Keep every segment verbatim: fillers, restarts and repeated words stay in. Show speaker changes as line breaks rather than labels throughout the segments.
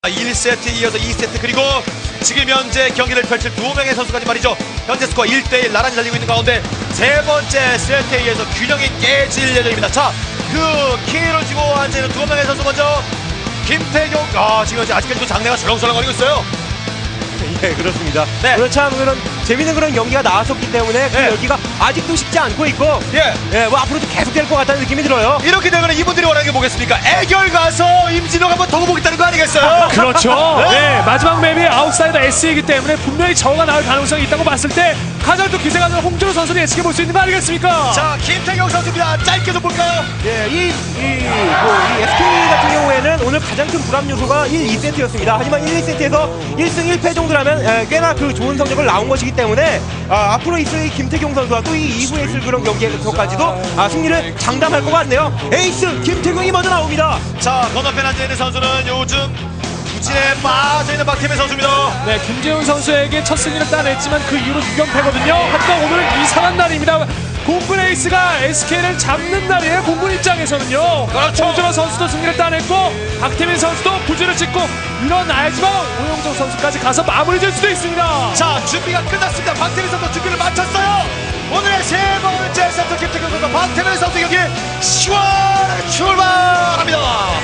일 세트 이어서 이 세트 그리고 지금 현재 경기를 펼칠 두 명의 선수까지 말이죠. 현재 스코어 일 대 일 나란히 달리고 있는 가운데 세 번째 세트에 의해서 균형이 깨질 예정입니다. 자, 그 키를 쥐고 앉아있는 두 명의 선수 먼저 김태경. 아, 지금 현재 아직까지도 장내가 설렁설렁거리고 있어요.
예, 그렇습니다.
네.
오늘 참 그런 재밌는 그런 경기가 나왔었기 때문에 그
네.
열기가 아직도 식지 않고 있고,
예.
예, 뭐 앞으로도 계속 될 것 같다는 느낌이 들어요.
이렇게 되면 이분들이 원하는 게 뭐겠습니까? 애결 가서 임진호가 한번 더 보겠다는 거 아니겠어요?
그렇죠. 네, 마지막 맵이 아웃사이더 S이기 때문에 분명히 저가 나올 가능성이 있다고 봤을 때 가장 또 기세가 나는 홍준호 선수를 예측해 볼 수 있는 거 아니겠습니까?
자, 김태경 선수입니다. 짧게 좀 볼까요?
예, 이, 이, 뭐, 이 에스케이 같은 경우에는 오늘 가장 큰 불합 요소가 일, 이 세트였습니다. 하지만 일, 이 세트에서 일 승 일 패 정도라면 에, 꽤나 그 좋은 성적을 나온 것이기 때문에 아, 앞으로 있을 이 김태경 선수와 또 이 이후에 있을 그런 경기에서까지도 아, 승리를 장담할 것 같네요. 에이스 김태경이 먼저 나옵니다.
자, 건너편 앉아있는 선수는 요즘 부진에 빠져있는 박태민 선수입니다.
네, 김재훈 선수에게 첫 승리를 따냈지만 그 이후로 육 연패거든요. 하지만 오늘은 이상한 날입니다. 공군 에이스가 에스케이를 잡는 날이에요. 공군 입장에서는요.
그렇죠.
홍준호 선수도 승리를 따냈고 박태민 선수도 부진을 찍고 일어나야지만 오영정 선수까지 가서 마무리 질 수도 있습니다.
자, 준비가 끝났습니다. 박태민 선수 준비를 마쳤어요. 오늘의 세 번째 세트 김태경 선수 박태민 선수 경기 시원하게 출발합니다.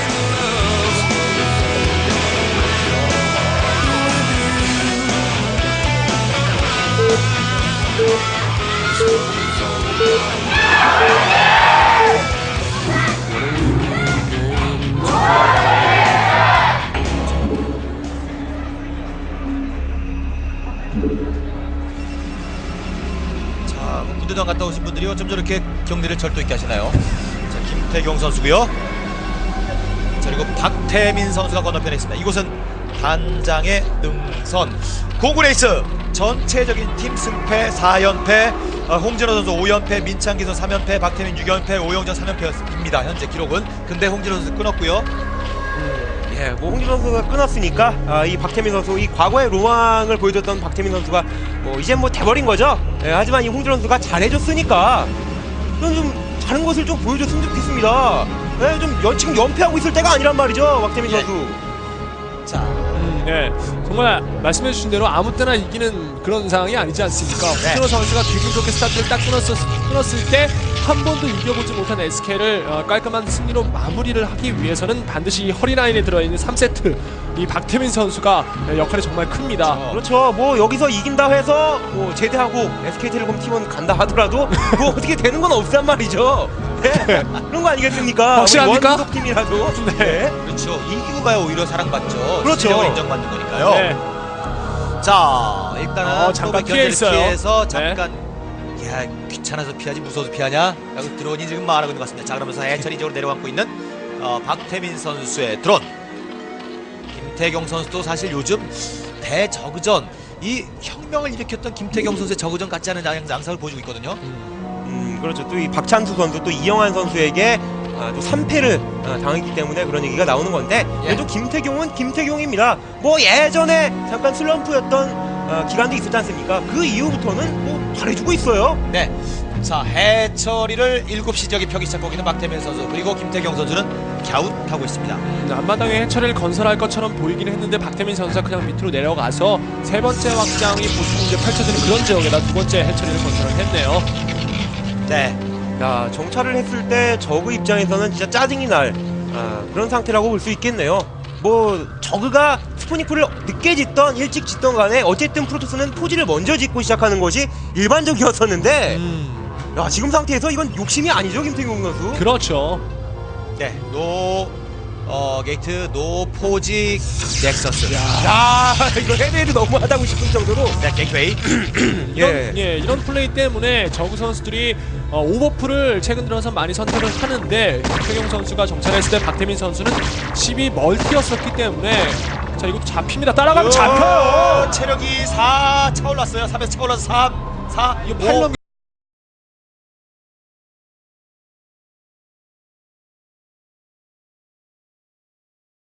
자, 군대장 갔다 오신 분들이 어쩜 저렇게 경기를 절도 있게 하시나요? 자, 김태경 선수고요. 자, 그리고 박태민 선수가 건너편에 있습니다. 이곳은 단장의 능선. 공군 에이스 전체적인 팀 승패 사 연패, 어, 홍진호 선수 오 연패, 민창기 선수 삼 연패, 박태민 육 연패, 오영정 삼 연패입니다. 현재 기록은. 근데 홍진호 선수 끊었고요.
예, 뭐 홍진호 선수가 끊었으니까 아, 이 박태민 선수, 이 과거의 로망을 보여줬던 박태민 선수가 뭐 이제 뭐 돼버린 거죠. 예, 하지만 이 홍진호 선수가 잘해줬으니까 좀, 좀 다른 것을 좀 보여줬으면 좋겠습니다. 예, 좀 연, 지금 연패하고 있을 때가 아니란 말이죠, 박태민
예.
선수.
자,
음, 네, 정말 말씀해주신 대로 아무 때나 이기는 그런 상황이 아니지 않습니까?
네.
홍준호 선수가 기분 좋게 스타트를 딱 끊었을, 끊었을 때 한 번도 이겨보지 못한 에스케이를 어, 깔끔한 승리로 마무리를 하기 위해서는 반드시 이 허리라인에 들어있는 삼 세트 이 박태민 선수가 역할이 정말 큽니다.
어.
그렇죠. 뭐 여기서 이긴다 해서 뭐 제대하고 에스케이텔레콤 팀원 간다 하더라도 뭐 어떻게 되는 건 없단 말이죠. 네. 그런 거 아니겠습니까?
확실합니까?
원소속 팀이라도.
네.
그렇죠. 이기고가야 오히려 사랑받죠.
그렇죠.
실력을 인정받는 거니까요.
네.
자, 일단은
어, 잠깐
또
피해 있어요.
피해서
네.
잠깐 야, 귀찮아서 피하지 무서워서 피하냐? 라고 드론이 지금 말하고 있는 것 같습니다. 자, 그러면서 해철이 쪽으로 내려앉고 있는 어, 박태민 선수의 드론. 김태경 선수도 사실 요즘 대저그전 이 혁명을 일으켰던 김태경 선수의 저그전 같지 않은 양- 양상을 보여주고 있거든요.
음, 그렇죠. 또 이 박찬수 선수, 또 이영환 선수에게 아, 또 삼 패를 아, 당했기 때문에 그런 얘기가 나오는 건데,
예.
그래도 김태경은 김태경입니다. 뭐 예전에 잠깐 슬럼프였던 어, 기간도 있었지 않습니까? 그 이후부터는 뭐 잘해주고 있어요.
네. 자, 해철이를 일곱 시 지역에 펴기 시작하고 있는 박태민 선수, 그리고 김태경 선수는 갸웃하고 있습니다.
음, 앞마당에 해처리를 건설할 것처럼 보이긴 했는데 박태민 선수가 그냥 밑으로 내려가서 세 번째 확장이 보통 이제 펼쳐지는 그런 지역에다 두 번째 해처리를 건설을 했네요.
네.
야, 정찰을 했을 때 저그 입장에서는 진짜 짜증이 날 아, 그런 상태라고 볼 수 있겠네요. 뭐 저그가 스포니크를 늦게 짓던 일찍 짓던 간에 어쨌든 프로토스는 포지를 먼저 짓고 시작하는 것이 일반적이었었는데,
음,
야, 지금 상태에서 이건 욕심이 아니죠, 김태경 선수?
그렇죠.
네. 노 어, 게이트 노 포지 넥서스.
야, 이거 헤드헤드 너무하다고 싶은 정도로.
네, 게이트웨이.
이런,
예.
예, 이런 플레이 때문에 저구 선수들이 어, 오버풀을 최근 들어서 많이 선택을 하는데 김태경 선수가 정찰했을 때 박태민 선수는 십이 멀티였었기 때문에 자, 이것도 잡힙니다. 따라가면 잡혀요.
체력이 사 차올랐어요. 삼에서 차올라서 삼, 사,
이거
오.
팔 넘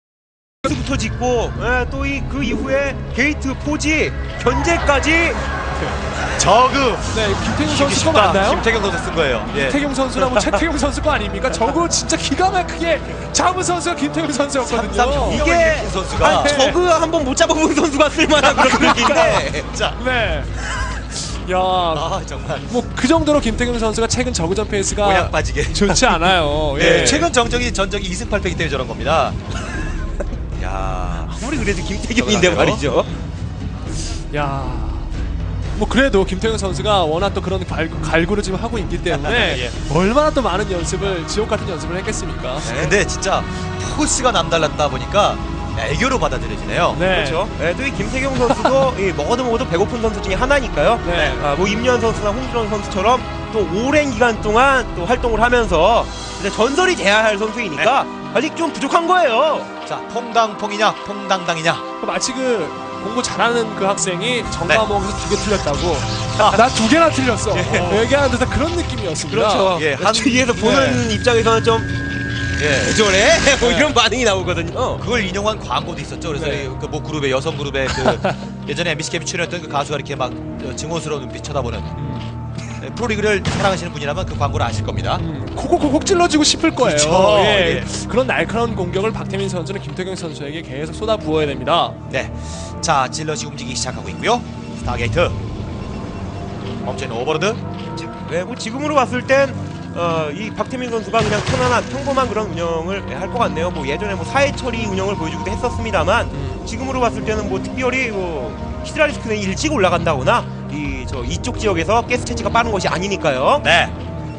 부터 짓고 또 이 그 이후에 게이트 포지 견제까지
저그
네, 김태경 선수 거
쉽다.
맞나요?
김태경 선수 쓴 거예요. 예.
김태경 선수나 뭐 최태경 선수 거 아닙니까? 저거 진짜 기가 막히게 잡은 선수가 김태경 선수였거든요.
삼삼
이게
이게 선수가
아니, 저그 한번 못 잡아본 선수가 쓸만한 그런 느낌인데
자,
네. 야,
아 정말
뭐 그 정도로 김태경 선수가 최근 저그전 페이스가
모양 빠지게.
좋지 않아요.
네,
예.
최근 정적이 전적이 이승 팔 패기 때문에 저런 겁니다. 야,
아무리 그래도 김태경인데 말이죠.
야, 뭐 그래도 김태경 선수가 워낙 또 그런 갈, 갈구를 지금 하고 있기 때문에
예.
얼마나 또 많은 연습을 지옥 같은 연습을 했겠습니까?
근데 진짜 포스가 남달랐다 보니까 애교로 받아들여지네요.
네.
그렇죠. 네, 또 이 김태경 선수도 이 먹어도 먹어도 배고픈 선수 중에 하나니까요.
네.
아, 뭐 임현 선수나 홍준원 선수처럼 또 오랜 기간 동안 또 활동을 하면서 이제 전설이 돼야 할 선수이니까 아직 좀 부족한 거예요.
자, 퐁당퐁이냐, 퐁당당이냐.
마치 그 공부 잘하는 그 학생이
네.
전과목에서 두 개 틀렸다고. 나 두 개나 틀렸어. 어, 얘기하는 듯한 그런 느낌이었습니다.
그렇죠.
예, 한-
주위에서 보는 입장에서는 좀
예.
저래 뭐
네.
이런 반응이 나오거든요.
그걸 인용한 광고도 있었죠. 그래서
네.
그 뭐 그룹의 여성 그룹의 그 예전에 엠비씨 캠이 출연했던 그 가수가 이렇게 막 어, 증오스러운 눈빛 쳐다보는 네, 프로리그를 사랑하시는 분이라면 그 광고를 아실 겁니다.
음, 콕콕콕콕 찔러주고 싶을 거예요.
그렇죠.
예.
예.
그런 날카로운 공격을 박태민 선수는 김태경 선수에게 계속 쏟아 부어야 됩니다.
네, 자 질럿이 움직이기 시작하고 있고요. 스타게이트 멈춰있는 오버로드.
네, 뭐 지금으로 봤을 땐 어, 이 박태민 선수가 그냥 편안한 평범한 그런 운영을 할 것 같네요. 뭐 예전에 뭐 사회 처리 운영을 보여주기도 했었습니다만
음.
지금으로 봤을 때는 뭐 특별히 뭐 히드라리스크는 일찍 올라간다거나 이 저 이쪽 지역에서 가스 채취가 빠른 것이 아니니까요.
네.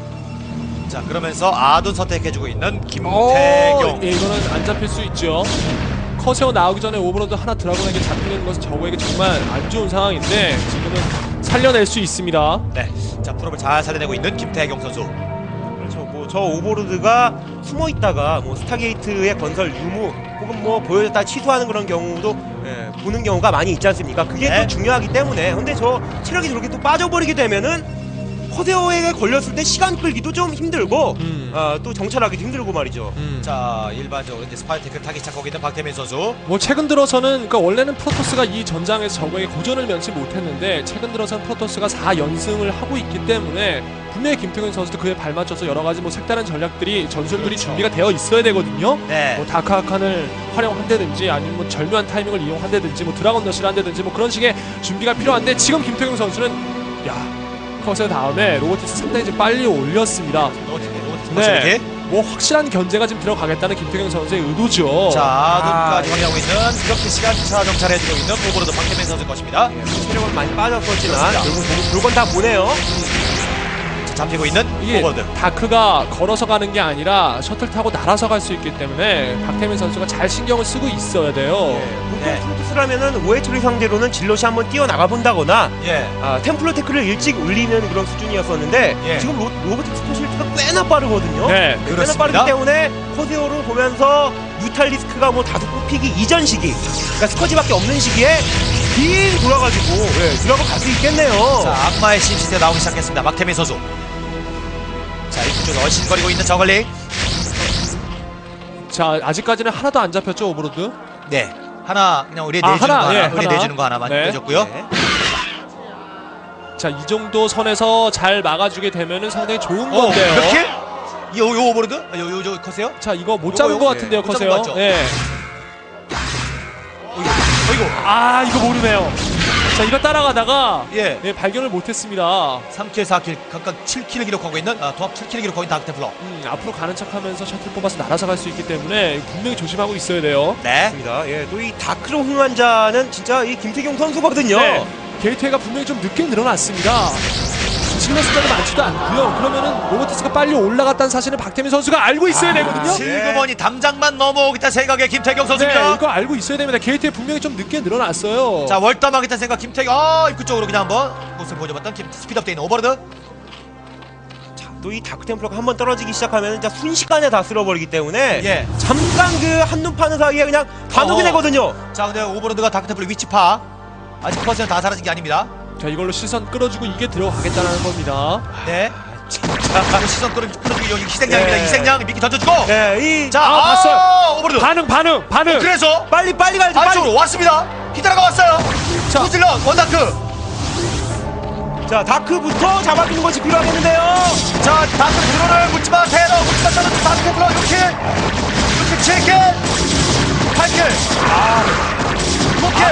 자 그러면서 아둔 선택해주고 있는
어,
김태경.
예, 이거는 안 잡힐 수 있죠. 커세어 나오기 전에 오버로드 하나 드라곤에게 잡히는 것은 저거에게 정말 안 좋은 상황인데 지금은 살려낼 수 있습니다.
네. 자 프로를 잘 살려내고 있는 김태경 선수.
그렇죠. 뭐 저 오버로드가 숨어 있다가 뭐 스타게이트의 건설 유무 혹은 뭐 보여줬다 취소하는 그런 경우도 예, 보는 경우가 많이 있지 않습니까? 그게
네.
또 중요하기 때문에. 근데 저 체력이 저렇게 또 빠져버리게 되면은 커세어에 걸렸을 때 시간 끌기도 좀 힘들고
음.
아, 또 정찰하기도 힘들고 말이죠.
음.
자 일반적으로 이제 스파이테크를 타기 시작하고 있는 박태민 선수.
뭐 최근 들어서는 그러니까 원래는 프로토스가 이 전장에서 저거에게 고전을 면치 못했는데 최근 들어서는 프로토스가 사 연승을 하고 있기 때문에 분명히 김태경 선수도 그에 발맞춰서 여러 가지 뭐 색다른 전략들이 전술들이
그렇죠.
준비가 되어 있어야 되거든요.
네.
뭐 다크아칸을 활용한다든지 아니면 뭐 절묘한 타이밍을 이용한다든지 뭐 드라곤 러시를 한다든지 뭐 그런 식의 준비가 필요한데 지금 김태경 선수는 야 커세 다음에 로보틱스 상당히 좀 빨리 올렸습니다.
로봇
네.
네.
뭐 확실한 견제가 지금 들어가겠다는 김태경 선수의 의도죠.
자 아둔까지
아,
확인하고 있는 이렇게 시간 차 정찰해주고 있는 오버로드 박태민 선수일 것입니다.
예, 체력은 많이 빠졌었지만
그렇습니다.
결국 물건 다 보내요.
자, 잡히고 있는
이게
오버로드.
다크가 걸어서 가는 게 아니라 셔틀 타고 날아서 갈 수 있기 때문에 박태민 선수가 잘 신경을 쓰고 있어야 돼요.
보통
네.
프로토스라면은 오해 처리 상대로는 질럿이 한번 뛰어나가 본다거나
예.
아, 템플러 테크를 일찍 올리는 그런 수준이었었는데
예.
지금 로, 로보틱스 스포실트가 꽤나 빠르거든요.
네,
꽤나
그렇습니다.
빠르기 때문에 코세오로 보면서 뮤탈리스크가 뭐 다소 뽑히기 이전 시기, 그러니까 스커지밖에 없는 시기에 빙 돌아가지고 예, 들어가 갈 수 있겠네요.
자 악마의 신시대 나오기 시작했습니다. 박태민 선수. 자 입구 쪽에 얼씬거리고 있는 저글링.
자 아직까지는 하나도 안 잡혔죠 오버로드.
네. 하나 그냥 우리
아,
내주는
하나,
거 하나,
예,
우리
하나.
내주는 거 하나만
네.
내줬고요.
네.
자 이 정도 선에서 잘 막아주게 되면은 상당히 좋은
어,
건데요.
몇 킬? 요, 요 오버로드? 아, 요, 요, 저 커세요?
자 이거 못
요거,
잡은
요거,
것 같은데요
예, 못
커세요.
잡은 것 같죠?
네.
어이구, 어이구.
아 이거 모르네요. 자 이거 따라가다가
예.
예, 발견을 못했습니다.
삼 킬, 사 킬, 각각 칠 킬을 기록하고 있는 아, 도합 칠 킬을 기록하고 있는 다크테플러.
음, 앞으로 가는 척하면서 셔틀 뽑아서 날아서 갈 수 있기 때문에 분명히 조심하고 있어야 돼요.
네.
맞습니다. 예, 또 이 다크로 흥환자는 진짜 이 김태경 선수거든요.
네. 게이트웨이가 분명히 좀 늦게 늘어났습니다. 질러 숫자도 많지도 않고요. 그러면은 로보티스가 빨리 올라갔다는 사실은 박태민 선수가 알고 있어야 되거든요.
실그머니 담장만 넘어오겠다 생각의 김태경
네,
선수입니다.
이거 알고 있어야 됩니다. 게이트웨이 분명히 좀 늦게 늘어났어요.
자, 월담하겠다는 생각 김태경. 아, 입구 쪽으로 그냥 한번 모습을 보여줘봤던 김, 스피드업 돼 있는 오버로드.
또 이 다크 템플러가 한번 떨어지기 시작하면 진짜 순식간에 다 쓸어버리기 때문에
예.
잠깐 그 한눈 파는 사이에 그냥 다 녹이
어허.
되거든요.
자, 근데 오버로드가 다크테플러 위치 파. 아직 퍼센트 다 사라진 게 아닙니다.
자 이걸로 시선 끌어주고 이게 들어가겠다는 겁니다.
네. 자, 시선 끌어, 끌어주기 여기 희생양입니다.
예.
희생양 미끼 던져주고.
예, 이
자,
아,
아,
봤어요.
오버로드.
반응 반응 반응.
그래서
빨리 빨리 가야죠. 빨리.
안쪽으로 왔습니다. 히드라가 왔어요.
자.
후질러 원다크.
자, 다크부터 잡아주는 것이 필요하겠는데요.
자, 다크 드론을 묻지마, 테러, 묻지마, 따로 다크 테러, 이렇게, 이렇게 칠 킬, 팔 킬, 아, 구 킬,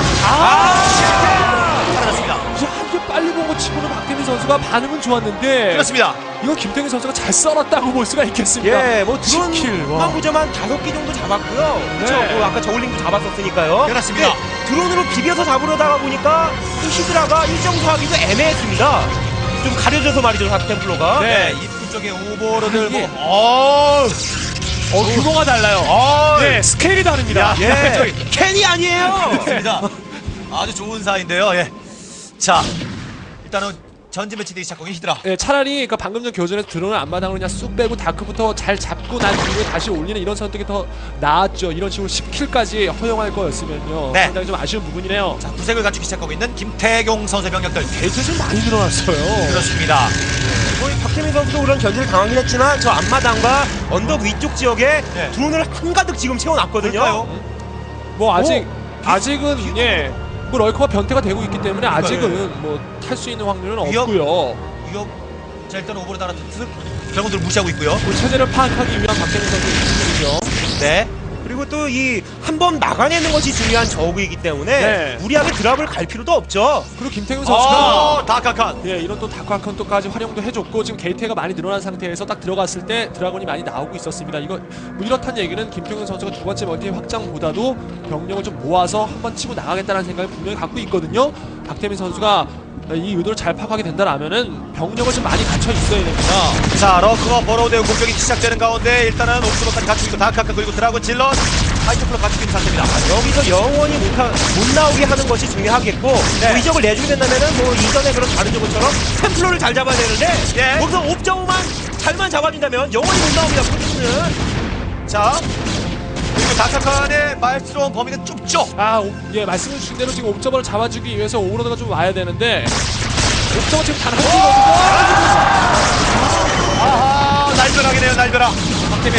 아, 칠 킬, 사라졌습니다.
한개 빨리 본 거 치고는 박태민 선수가 반응은 좋았는데
그렇습니다.
이거 김태균 선수가 잘 썰었다고 볼 수가 있겠습니다.
예, 뭐 드론
십 킬, 와.
한부제만 다섯 개 정도 잡았고요. 그렇죠.
네.
뭐 아까 저울링도 잡았었으니까요.
그렇습니다.
근데 드론으로 비벼서 잡으려다가 보니까 이 히드라가 일정 수하기도 애매했습니다. 좀 가려져서 말이죠, 다크템플러가.
네, 입구 쪽에 오버로드를
이게-
보고, 어,
어, 규모가 달라요.
어,
네, 스케일이 다릅니다.
야,
예, 캔이 아니에요.
그렇습니다. 아주 좋은 사인데요. 예. 자, 일단은 전진 배치되기 시작하고 히드라.
예, 차라리 그러니까 방금 전 교전에서 드론을 앞마당으로 그냥 쑥 빼고 다크부터 잘 잡고 난 뒤에 다시 올리는 이런 선택이 더 나았죠. 이런 식으로 십 킬까지 허용할 거였으면요.
네.
상당히 좀 아쉬운 부분이네요.
자, 구색을 갖추기 시작하고 있는 김태경 선수의 병력들.
데이터 좀 많이 늘어났어요.
그렇습니다.
거의 박태민 선수도 그런 견제를 당하긴 했지만 저 앞마당과 언덕 위쪽 지역에
네.
드론을 한가득 지금 채워놨거든요.
볼까요?
뭐 아직 아직은 예. 뭐 럴커가 변태가 되고 있기 때문에
그러니까요.
아직은 뭐 탈 수 있는 확률은
위협?
없고요.
이거 자, 일단 오버로드 하나 득 드래곤들 무시하고 있고요.
그 체제를 파악하기 위한 박태민 선수의 기술이죠.
네.
그리고 또 이 한 번 막아내는 것이 중요한 저우이기 때문에
네.
무리하게 드랍을 갈 필요도 없죠.
그리고 김태균 선수가
어, 다카칸.
예, 이런 또 다크아컨토까지 활용도 해줬고 지금 게이트가 많이 늘어난 상태에서 딱 들어갔을 때 드라곤이 많이 나오고 있었습니다. 이거 뭐 이렇단 얘기는 김태균 선수가 두 번째 멀티 확장보다도 병력을 좀 모아서 한번 치고 나가겠다는 생각을 분명히 갖고 있거든요. 박태민 선수가 이 의도를 잘 파악하게 된다라면은 병력을 좀 많이 갖춰 있어야 됩니다.
자, 러커가 버로우대우 공격이 시작되는 가운데 일단은 옥수로까지 갖추고 있고 다카칸 그리고 드라곤 질럿 하이테플로 갖추고 있는 상태입니다.
여기서 영원히 못, 하, 못 나오게 하는 것이 중요하겠고
네.
뭐 이적을 내주게 된다면은 뭐 이전에 그런 다른 적처럼 템플러를 잘 잡아야 되는데
예.
거기서 옵저우만 잘만 잡아준다면 영원히 못 나옵니다. 프로듀스는.
자, 그리고 다카칸의 말스러운 범위는 좁죠.
아, 오, 예, 말씀해 주신 대로 지금 옵저버를 잡아주기 위해서 오버로드가 좀 와야 되는데 옵저버 지금 단 한 개거든요.
아하, 날벼락이네요, 날벼락. 박태민.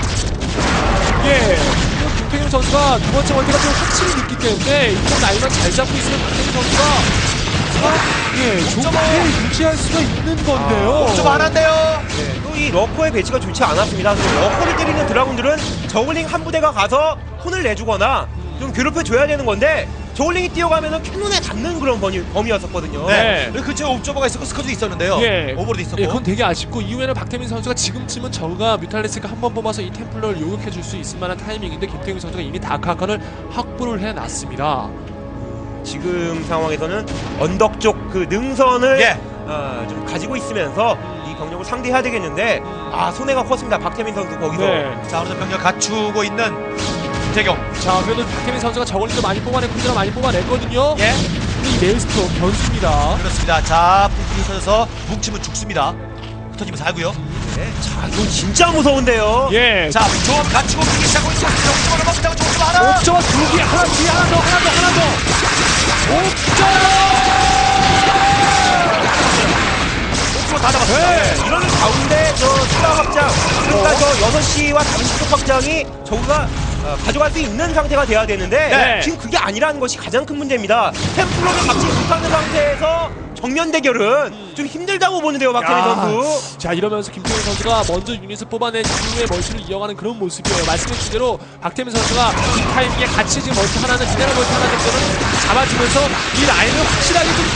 예. 김태균 선수가 두 번째 월드가 좀 확실히 늦기 때문에 이쪽 라인만 잘 잡고 있으면 김태균 선수가 아, 예, 좋게 유지할 수가 있는 건데요.
좀 안 한대요.
네, 또 이 러커의 배치가 좋지 않았습니다. 그래서 러커를 때리는 드라군들은 저글링 한 부대가 가서 혼을 내주거나 좀 괴롭혀줘야 되는 건데 저글링이 뛰어가면 캐논에 닿는 그런 범위, 범위였었거든요.
네.
네.
그리고 그쪽에 옵저버가 있었고 스커도 있었는데요.
예.
오버로드 있었고.
예, 그건 되게 아쉽고 이후에는 박태민 선수가 지금쯤은 저가 뮤탈리스가 한 번 뽑아서 이 템플러를 요격해 줄 수 있을 만한 타이밍인데 김태균 선수가 이미 다크아칸을 확보를 해놨습니다.
지금 상황에서는 언덕 쪽 그 능선을
예.
어, 좀 가지고 있으면서 이 병력을 상대해야 되겠는데 아 손해가 컸습니다. 박태민 선수 거기서.
네.
자, 오늘 병력 갖추고 있는 김태경.
자, 그래도 박태민 선수가 저걸리도 많이 뽑아내고 콘드라 많이 뽑아냈거든요.
예.
근데 이 메일스토 변수입니다.
그렇습니다. 자, 불길이 터져서 뭉치면 죽습니다. 흩어지면 살고요.
네. 자 이건 진짜 무서운데요.
예.
자, 조합 갖추고 뛰기 시작하고 있고 옥저버를 먹다고 옥저버 하나.
옵저버 두 개, 하나 뒤에 하나 더, 하나 더, 하나 더. 옵저버!
옥저버 다 잡았어요.
네. 이러는 가운데 저 추가 확장 그러니까 저 여섯 시와 다른 시쪽 확장이 저우가 어, 가져갈 수 있는 상태가 돼야 되는데
네.
지금 그게 아니라는 것이 가장 큰 문제입니다. 템플러를 막지 못하는 상태에서 정면 대결은 좀 힘들다고 보는데요, 박태민
야.
선수.
자, 이러면서 김태훈 선수가 먼저 유닛을 뽑아낸 이후에 멀티를 이어가는 그런 모습이에요. 말씀해주신 대로 박태민 선수가 이 타이밍에 같이 지금 멀티 하나는 미네랄 멀티 하나 정도는 잡아주면서 이 라인을 확실하게 좀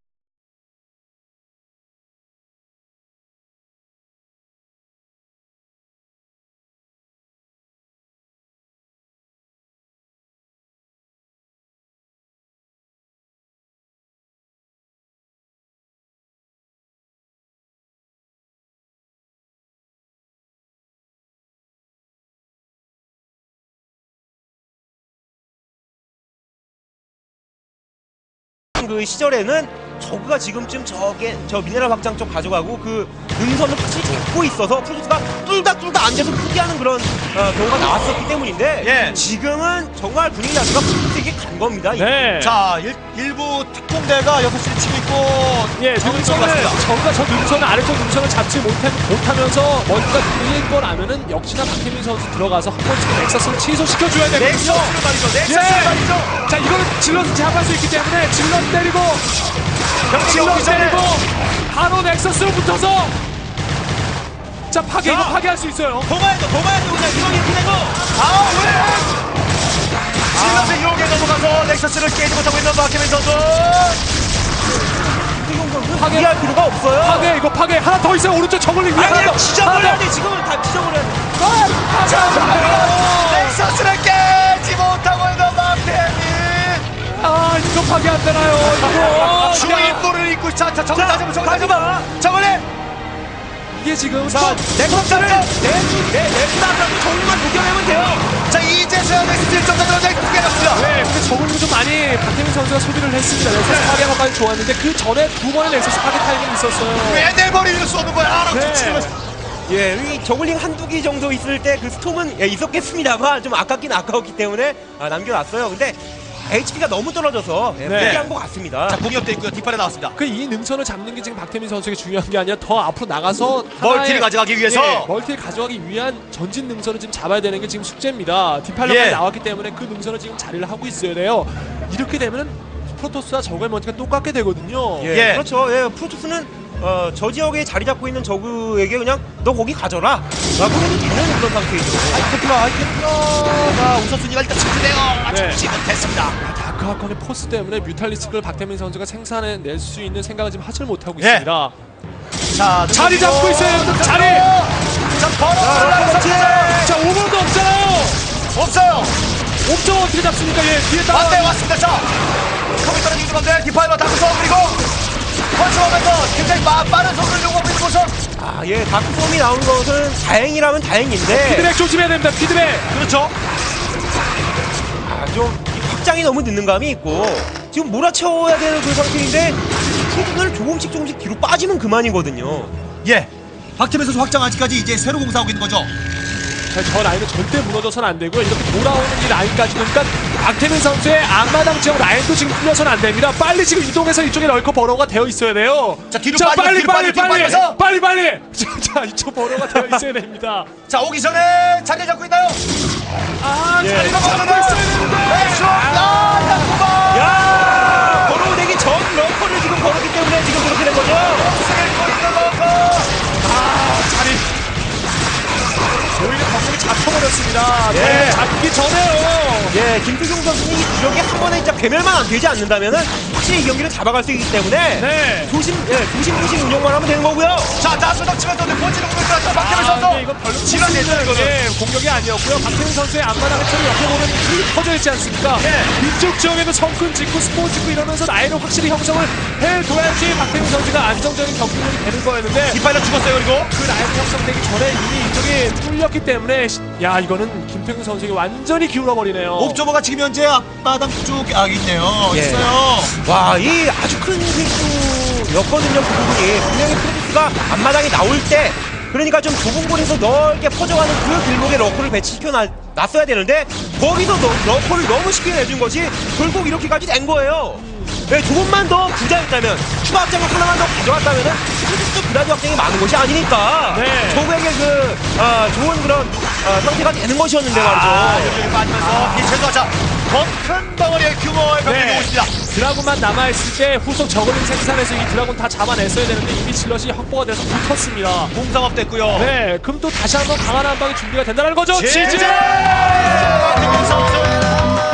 그 시절에는 저그가 지금쯤 저게 저 미네랄 확장 쪽 가져가고 그 능선을 확실히 잡고 있어서 프로듀스가 뚫다 뚫다 앉아서 포기하는 그런 어, 경우가 나왔었기 때문인데
예.
지금은 정말 분위기 자체가 프로듀스에게 간 겁니다. 이-
네.
자, 일, 일부 특공대가 여섯 시를 치고 있고.
예,
저기
능선을
들어갔습니다.
저가 저 능선을 아래쪽 능선을 잡지 못해, 못하면서 멀티가 밀릴 거라면은 역시나 박태민 선수 들어가서 한 번쯤 넥서스를 취소시켜줘야 되거든요.
넥서스를 말이죠. 넥서스를
예.
말이죠.
자, 이거는 질럿을 제압할 수 있기 때문에 질럿 때리고 질러
오기 전에.
때리고 바로 넥서스로 붙어서 자 파괴 이거
자.
파괴할 수 있어요.
동아에도 동아에도 그냥 이동이 보내고 아 왜? 질럿의 유혹에 넘어가서 넥서스를 깨지 못하고 있는 박태민 선수.
파괴
이해할 필요가 없어요.
파괴 이거 파괴 하나 더 있어요. 오른쪽 저글링 위에 하나
아니,
더.
지정을 돼. 지금은 다 지정을 해야 돼.
자, 넥서스를 깨지 못하고 있는 박태민.
아 이거 파괴 안 되나요? 이거
주인도를 잊고 자, 자, 저걸
자,
다시 한번 저걸 다시
가지마.
한번 저걸해.
이게 지금
자,
또-
넥서스를 내내 넥스다라고 정리만 녹여내면 돼요.
자, 이제서야 넥서스 일 점 더 두개 났습니다.
네, 근데 저글링 좀 많이 박태민 선수가 소비를 했습니다. 넥서스 파괴 한번까지 좋았는데 그 전에 두 번의 넥서스 파괴 타이밍이 있었어요.
왜 내 머리를 쏘는 거야? 알아,
네.
치면서.
예, 이 저글링 한두 기 정도 있을 때 그 스톰은 예, 있었겠습니다만 좀 아깝긴 아까웠기 때문에 아, 남겨놨어요. 근데 에이치피가 너무 떨어져서 예,
네.
포기한 것 같습니다.
자, 공격대 있고요. 뒷발에 나왔습니다.
그 이 능선을 잡는 게 지금 박태민 선수에게 중요한 게 아니라 더 앞으로 나가서
멀티를
하나의-
가져가기 위해서.
예, 멀티를 가져가기 위한 전진 능선을 지금 잡아야 되는 게 지금 숙제입니다. 뒷팔로까지
예.
나왔기 때문에 그 능선을 지금 자리를 하고 있어야 돼요. 이렇게 되면은 프로토스와 저그의 멀티가 똑같게 되거든요.
예,
예.
그렇죠. 예, 프로토스는 어, 저 지역에 자리 잡고 있는 저그에게 그냥 너 거기 가져라 라고 해도 되는 그런 상태이죠.
아이템플러, 아이템플러가 우선순위가 일단 체크돼요. 아,
네.
정치 못했습니다.
다크하컨의 포스 때문에 뮤탈리스크를 박태민 선수가 생산해낼 수 있는 생각을 지금 하질 못하고
예.
있습니다.
자,
자리 잡고 있어요, 여러분, 자리!
자, 걸어 올라가서
자, 오버도 없잖아요!
없어요.
옵점 어떻게 잡습니까? 예, 뒤에 따라.
반대 왔습니다. 자, 컴퓨터는 유주건데 디파이버 다크서 그리고 펀치하면서 굉장히 빠, 빠른 속도를 요구하고 있는 모습.
아, 예, 다크솜이 나온 것은 다행이라면 다행인데
피드백 조심해야 됩니다, 피드백!
그렇죠.
아, 좀이 확장이 너무 늦는 감이 있고 지금 몰아채워야 되는 그 상태인데 프로토스는 조금씩 조금씩 뒤로 빠지면 그만이거든요.
예. 박태민 선수 확장 아직까지 이제 새로 공사하고 있는 거죠.
자, 저 라인은 절대 무너져서는 안 되고요. 이렇게 돌아오는 이 라인까지 그러니까 박태민 선수의 앞마당 지역 라인도 지금 풀려서는 안 됩니다. 빨리 지금 이동해서 이쪽에 널커 버러가 되어 있어야 돼요.
자, 뒤로
자,
빠지고,
빨리
뒤로
빨리
빠지고, 뒤로
빨리
빠져서.
빨리 빨리. 자, 자, 이쪽 버러가 되어 있어야 됩니다.
자, 오기 전에 자리 잡고 있나요?
아,
예.
자리가 잡고 있어야 되는데.
엑쇼! 야, 야구바!
야, 걸어오되기 전 러커를 지금 걸었기 때문에 지금 그렇게 된 거죠.
아, 자리. 오히려 감독이 잡혀버렸습니다.
예.
네, 잡기 전에요.
예, 김태경 선수는 이 구력에 한 번에 진짜 괴멸만 안 되지 않는다면은 확실히 이 경기를 잡아갈 수 있기 때문에
네.
조심, 예, 조심조심 운영만 하면 되는 거고요.
자, 나스덕 치면서 본진을 공격했다. 박태민
아, 근데
선수.
이건 별로
지난 예전 이거는.
예, 공격이 아니었고요. 박태민 선수의 앞마당을 처리 옆에 보면 이 퍼져 있지 않습니까?
예.
이쪽 지역에도 성큰 짓고 스포 짓고 이러면서 라인을 확실히 형성을 해둬야지 박태민 선수가 안정적인 경기력이 되는 거였는데
뒷발로 죽었어요. 그리고
그 라인 형성되기 전에 이미 이쪽이 뚫렸기 때문에 시- 야 이거는 김태균 선수에게 완전히 기울어버리네요.
옵저버가 지금 현재 앞바닥 쪽에 아 있네요.
예.
있어요.
와, 이 아주 큰 실수였거든요. 그 부분이 분명히 프로토스가 앞마당에 나올 때, 그러니까 좀 좁은 곳에서 넓게 퍼져가는 그 길목에 러커를 배치시켜 놨, 놨어야 되는데 거기서 너, 러커를 너무 쉽게 내준 것이 결국 이렇게까지 된 거예요. 네, 조금만 더 부자였다면, 추가 확장을 하나만 더 가져갔다면은 프로토스도 그다지 확장이 많은 것이 아니니까
네.
저구에게 그 아, 좋은 그런 아, 상태가 되는 것이었는데 말이죠.
아, 여기 빠지면서 빛에서 자, 더 큰 덩어리의 규모의 경기가
네.
오고 있습니다.
드라군만 남아있을 때 후속 저글링 생산해서 이 드라군 다 잡아냈어야 되는데 이미 질럿이 확보가 돼서 붙었습니다.
공상업 됐고요.
네, 그럼 또 다시 한번 강한 한 방이 준비가 된다는 거죠.
지지!
지지!
박태민 선수.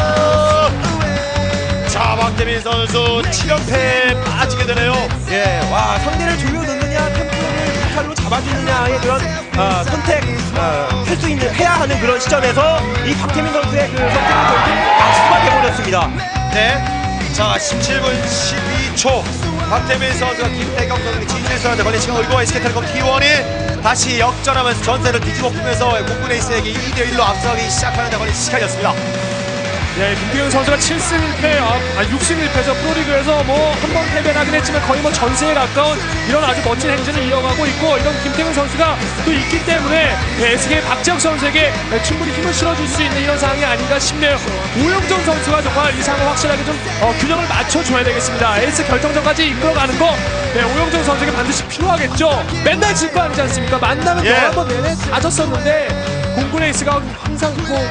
자, 박태민 선수 칠 연패에 빠지게 되네요.
예, 와, 상대를 조여넣느냐, 템포를 무탈로 잡아주느냐의 그런 아, 선택 아, 할 수 있는 해야 하는 그런 시점에서 이 박태민 선수의 그 선택은 결국 악수가 돼버렸습니다.
네. 자, 십칠 분 십이 초. 박태민 선수가 김태경 선수에게 진실선한테 걸린 시간 올고 에스케이텔레콤 티 원이 다시 역전하면서 전세를 뒤집어 풀면서 공군 에이스에게 이 대 일로 앞서가기 시작하는 데 걸린 시간이었습니다.
네, 김태균 선수가 칠 승 일 패, 아, 아 육 승 일 패죠. 프로리그에서 뭐 한 번 패배는 하긴 했지만 거의 뭐 전세에 가까운 이런 아주 멋진 행진을 이어가고 있고 이런 김태균 선수가 또 있기 때문에 네, 에스케이 박지혁 선수에게 네, 충분히 힘을 실어줄 수 있는 이런 상황이 아닌가 싶네요. 오영정 선수가 정말 이 상황을 확실하게 좀 어, 균형을 맞춰줘야 되겠습니다. 에이스 결정전까지 이끌어가는 거 네, 오영정 선수에게 반드시 필요하겠죠. 맨날 질 거 아니지 않습니까? 만나면
예.
열한 번 내내 다 졌었는데 공군 에이스가 항상 뭐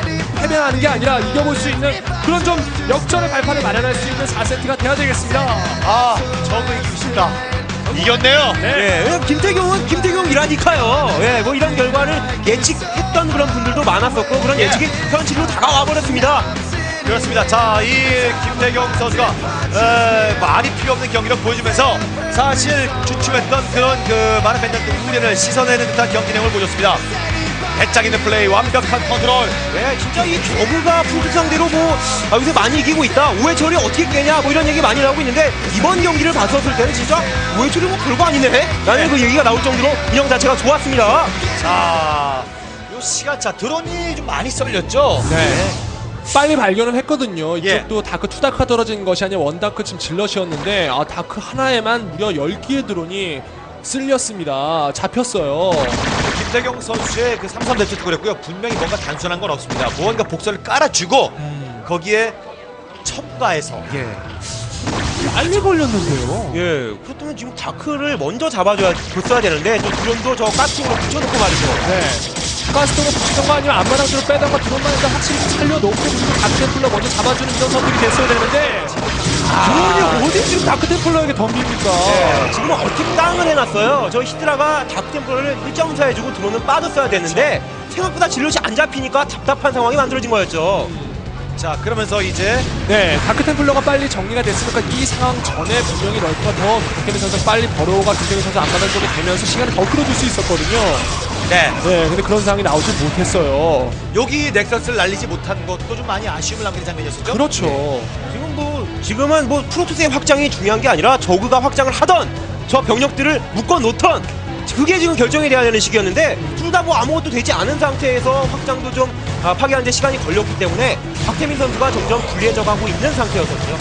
패배하는 게 아니라 이겨볼 수 있는 그런 좀 역전의 발판을 마련할 수 있는 사 세트가 돼야 되겠습니다.
아, 저거 이기고 싶다. 이겼네요.
네.
예, 왜냐면 김태경은 김태경이라니까요. 예, 뭐 이런 결과를 예측했던 그런 분들도 많았었고 그런
예.
예측이 현실로 다가와 버렸습니다.
그렇습니다. 자, 이 김태경 선수가 에, 말이 필요 없는 경기를 보여주면서 사실 주춤했던 그런 그 많은 팬들의 우려를 씻어내는 듯한 경기 내용을 보여줬습니다. 배짱 있는 플레이, 완벽한 컨트롤.
예, 진짜 이 저그가 프로토스 상대로 뭐 아, 요새 많이 이기고 있다. 오해 처리 어떻게 깨냐 뭐 이런 얘기 많이 나오고 있는데 이번 경기를 봤었을 때는 진짜 오해 처리 뭐 별거 아니네. 라는 그 얘기가 나올 정도로 인형 자체가 좋았습니다.
자, 요 시간차 드론이 좀 많이 썰렸죠.
네. 빨리 발견을 했거든요.
예.
이쪽도 다크 투 다크가 떨어진 것이 아니라 원 다크 지금 질럿이었는데 아, 다크 하나에만 무려 열 개의 드론이 쓸렸습니다. 잡혔어요.
김태경 선수의 그 삼 삼 대투 그랬고요. 분명히 뭔가 단순한 건 없습니다. 무언가 복선을 깔아주고
음.
거기에 첨가해서
예.
빨리 걸렸는데요.
예, 그렇다면 지금 다크를 먼저 잡아줘야 줬어야 되는데 또 드론도 저 가스통으로 붙여놓고 말이죠.
네. 가스통을 붙이던가 아니면 안마랑으로 빼던가 드론만 일단 확실히 살려놓고 그리고 다크템플러 먼저 잡아주는 이런 선택이 됐어야 되는데 드론이 어디 지금 다크템플러에게 덤빕니까?
예, 지금은 어떻게 땅을 해놨어요. 저 히드라가 다크템플러를 일 점 사 해주고 드론은 빠졌어야 됐는데 생각보다 질럿이 안 잡히니까 답답한 상황이 만들어진 거였죠.
자, 그러면서 이제
네, 다크템플러가 빨리 정리가 됐으니까 이 상황 전에 분명히 럴커가 더 김태균 선수가 빨리 버로우가 김태균 선수 앞마당 쪽에 되면서 시간을 더 끌어줄 수 있었거든요.
네,
네, 근데 그런 상황이 나오지 못했어요.
여기 넥서스를 날리지 못한 것도 좀 많이 아쉬움을 남기는 장면이었었죠.
그렇죠.
지금 뭐 지금은 뭐 프로토스의 확장이 중요한 게 아니라 저그가 확장을 하던 저 병력들을 묶어 놓던 그게 지금 결정이 돼야 되는 시기였는데 둘 다 뭐 아무것도 되지 않은 상태에서 확장도 좀 아, 파괴하는데 시간이 걸렸기 때문에 박태민 선수가 점점 불리해져가고 있는 상태였거든요.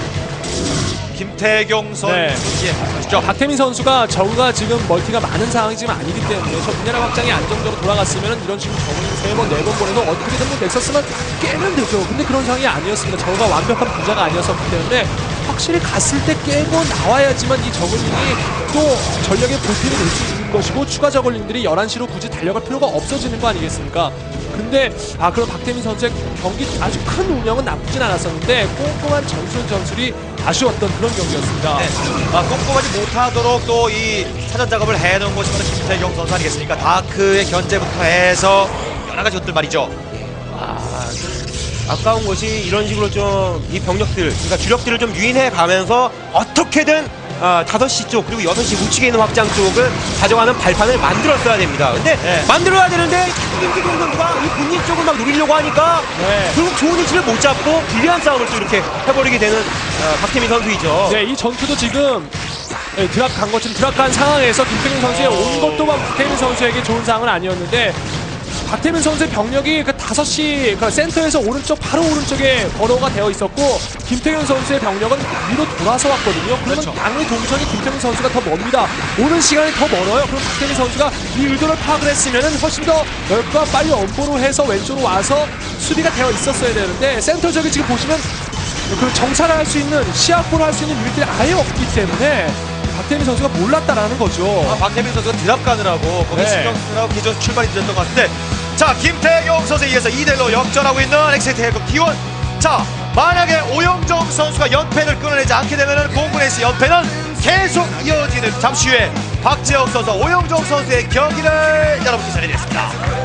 김태경 선수,
네.
예, 아시죠?
박태민 선수가 저우가 지금 멀티가 많은 상황이 지금 아니기 때문에 저 미네랄 확장이 안정적으로 돌아갔으면 이런 식으로 저우는 세 번, 네 번 보내서 어떻게든 뭐 넥서스만 깨면 되죠. 근데 그런 상황이 아니었습니다. 저우가 완벽한 분자가 아니었었기 때문에 확실히 갔을 때 깨고 나와야지만 이 저글링이 또 전력의 보탬이 될 수 있는 것이고 추가 저글링들이 열한 시로 굳이 달려갈 필요가 없어지는 거 아니겠습니까? 근데 아 그럼 박태민 선수의 경기 아주 큰 운영은 나쁘진 않았었는데 꼼꼼한 전술 전술이 아쉬웠던 그런 경기였습니다.
네. 아, 꼼꼼하지 못하도록 또 이 사전 작업을 해놓은 것이 바로 김태경 선수 아니겠습니까? 다크의 견제부터 해서 여러 가지 것들 말이죠.
아, 아까운 것이 이런 식으로 좀 이 병력들, 그러니까 주력들을 좀 유인해 가면서 어떻게든 아, 다섯 시 쪽 그리고 여섯 시 우측에 있는 확장 쪽을 가져가는 발판을 만들었어야 됩니다. 근데
네.
만들어야 되는데 김태경 선수가 이 본인 쪽을 막 노리려고 하니까
네.
결국 좋은 위치를 못 잡고 불리한 싸움을 또 이렇게 해버리게 되는 어, 박태민 선수이죠.
네, 이 전투도 지금 네, 드랍 간 것처럼 드랍 간 상황에서 김태균 선수의 온 것도 박태민 선수에게 좋은 상황은 아니었는데 박태민 선수의 병력이 그 다섯 시 그 센터에서 오른쪽 바로 오른쪽에 번호가 되어 있었고 김태균 선수의 병력은 위로 돌아서 왔거든요. 그러면
그렇죠.
양의 동선이 김태균 선수가 더 먼니다. 오는 시간이 더 멀어요. 그럼 박태민 선수가 이 의도를 파악을 했으면은 훨씬 더 넓과 빨리 엄보로 해서 왼쪽으로 와서 수비가 되어 있었어야 되는데 센터 쪽에 지금 보시면 그 정찰을 할 수 있는 시야포를 할 수 있는 유닛들이 아예 없기 때문에 박태민 선수가 몰랐다라는 거죠.
아, 박태민 선수가 드랍 가느라고 거기
네.
신경 쓰느라고 기존 출발이 늦었던 것 같은데, 자, 김태경 선수에 의해서 이 대 일로 역전하고 있는 엑스에이티 해커 티원. 자, 만약에 오영정 선수가 연패를 끊어내지 않게 되면 공군에서 연패는 계속 이어지는 잠시 후에 박재혁 선수, 오영정 선수의 경기를 여러분께 전해드리겠습니다.